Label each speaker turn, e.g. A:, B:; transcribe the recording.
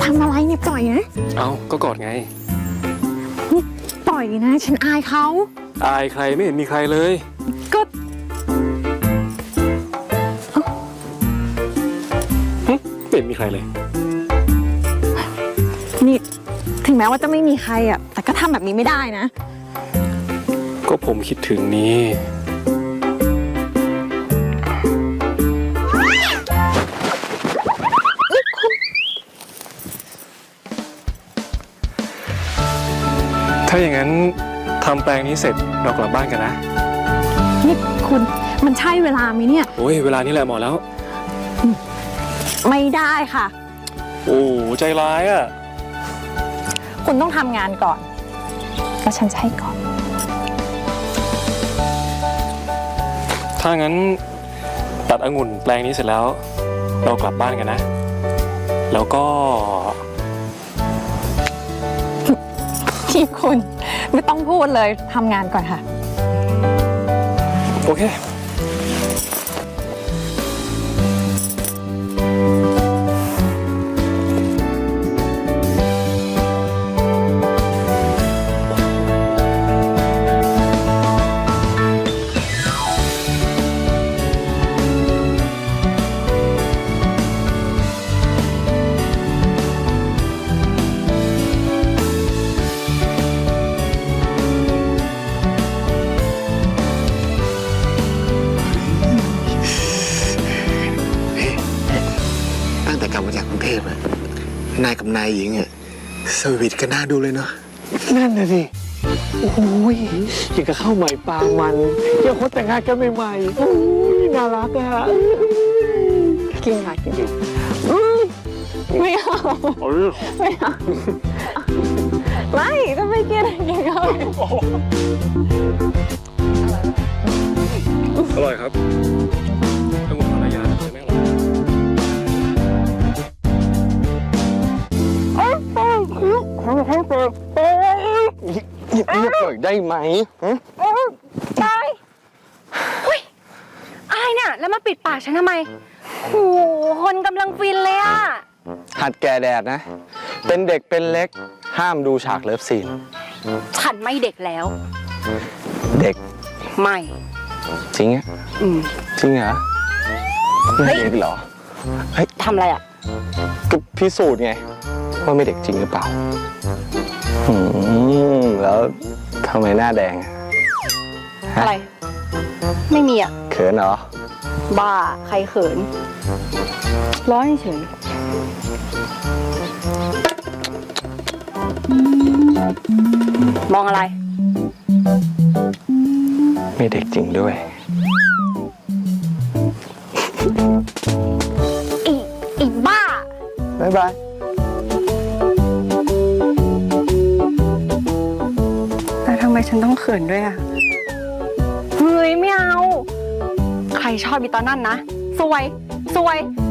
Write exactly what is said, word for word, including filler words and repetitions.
A: ำอะไรเนี่ยปล่อยนะ
B: เอาก็กอดไง
A: นี่ปล่อยนะฉันอายเขา
B: อายใครไม่เห็นมีใครเลย
A: ก็
B: ไม่เห็นมีใครเลย
A: นี่ถึงแม้ว่าจะไม่มีใครอ่ะแต่ก็ทำแบบนี้ไม่ได้นะ
B: ก็ผมคิดถึงนี่ถ้าอย่างนั้นทำแปลงนี้เสร็จเรากลับบ้านกันนะ
A: นี่คุณมันใช่เวลาไหมเนี่ย
B: โอ้ยเวลานี้แหละเหมาะแล้ว
A: ไม่ได้ค่ะ
B: โอ้ใจร้ายอ่ะ
A: คุณต้องทำงานก่อนแล้วฉันจะให้ก่อน
B: ถ้างั้นตัดองุ่นแปลงนี้เสร็จแล้วเรากลับบ้านกันนะแล้วก็
A: ที่คุณไม่ต้องพูดเลยทำงานก่อนค่ะ
B: โอเค
C: กลับมาจากกรุงเทพอะนายกับนายหญิงอะสวีทกันน่าดูเลยเนาะ
D: นั่นน่ะสิโอ้ยยังกับข้าวใหม่ปลามันยังคนแต่งงานกันใหม่ๆโอ้ยน่ารักอะกินค่ะกินดิ
A: ไม่เอาไม่เอาไม่ก็ไม่กินกินเขา
B: อร่อยครับองุ่นภรรยาใช่ไหมล่ะ
D: หยิบเรียบหน่อยได้ไหม
A: ได้เฮ้ยอายเนี่ยแล้วมาปิดปากฉันทำไมโอ้โหคนกำลังฟินเลยอะ
D: หัดแก่แดดนะเป็นเด็กเป็นเล็กห้ามดูฉากเลิฟซีน
A: ฉันไม่เด็กแล้ว
D: เด็ก
A: ไม่
D: จริงอ่ะ
A: อืม
D: จริงเหรอไม่เด็กเหรอ
A: เฮ้ยทำอะไรอ่ะ
D: ก็พิสูจน์ไงว่าไม่เด็กจริงหรือเปล่าอืมแล้วทำไมหน้าแดง
A: อะไรไม่มีอ่ะ
D: เขินเหรอ
A: บ้าใครเขินร้อนเฉยมองอะไร
D: ไม่เด็กจริงด้วย
A: อีอีบ้า
D: บ๊ายบาย
A: แต่ทำไมฉันต้องเขินด้วยอ่ะเฮ้ยไม่เอาใครชอบอีตอนนั้นนะสวยสวย